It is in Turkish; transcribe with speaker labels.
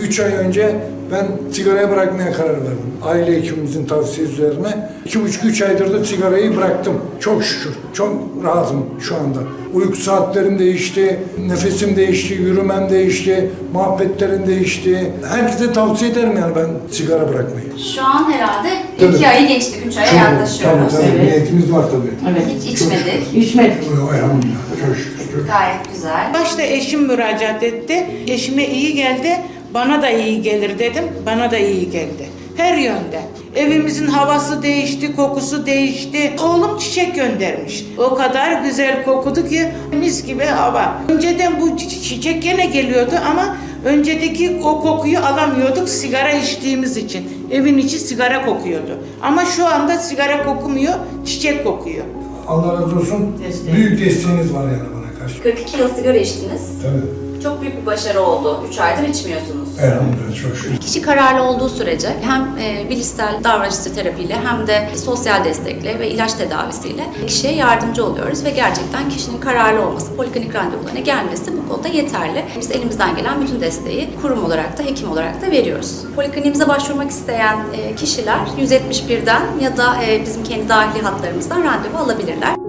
Speaker 1: 3 ay önce ben sigarayı bırakmaya karar verdim. Aile hekimimizin tavsiyesi üzerine. 2,5-3 aydır da sigarayı bıraktım. Çok şükür. Çok rahatım şu anda. Uyku saatlerim değişti, nefesim değişti, yürümem değişti, muhabbetlerim değişti. Herkese tavsiye ederim yani ben sigara bırakmayı.
Speaker 2: Şu an herhalde
Speaker 1: Tabii.
Speaker 2: 2 ayı geçtik, 3 aya
Speaker 1: Çok,
Speaker 2: yaklaşıyoruz.
Speaker 1: tabii.
Speaker 3: Evet.
Speaker 1: Niyetimiz var tabii.
Speaker 3: Evet.
Speaker 2: Hiç içmedik.
Speaker 3: İçmedik.
Speaker 1: Elhamdülillah. Çok şükür.
Speaker 2: Gayet güzel.
Speaker 3: Başta eşim müracaat etti. Eşime iyi geldi. Bana da iyi gelir dedim. Bana da iyi geldi. Her yönde. Evimizin havası değişti, kokusu değişti. Oğlum çiçek göndermiş. O kadar güzel kokudu ki mis gibi hava. Önceden bu çiçek gene geliyordu ama öncedeki o kokuyu alamıyorduk sigara içtiğimiz için. Evin içi sigara kokuyordu. Ama şu anda sigara kokmuyor, çiçek kokuyor.
Speaker 1: Allah razı olsun.
Speaker 3: Desteği.
Speaker 1: Büyük desteğiniz var yani bana karşı.
Speaker 2: 42 yıl sigara içtiniz.
Speaker 1: Tabii.
Speaker 2: Çok büyük bir başarı oldu. 3 aydır içmiyorsunuz.
Speaker 1: Elhamdülillah çok şükür.
Speaker 2: Kişi kararlı olduğu sürece hem bilişsel davranışçı terapiyle hem de sosyal destekle ve ilaç tedavisiyle kişiye yardımcı oluyoruz ve gerçekten kişinin kararlı olması, poliklinik randevularına gelmesi bu konuda yeterli. Biz elimizden gelen bütün desteği kurum olarak da hekim olarak da veriyoruz. Polikliniğimize başvurmak isteyen kişiler 171'den ya da bizim kendi dahili hatlarımızdan randevu alabilirler.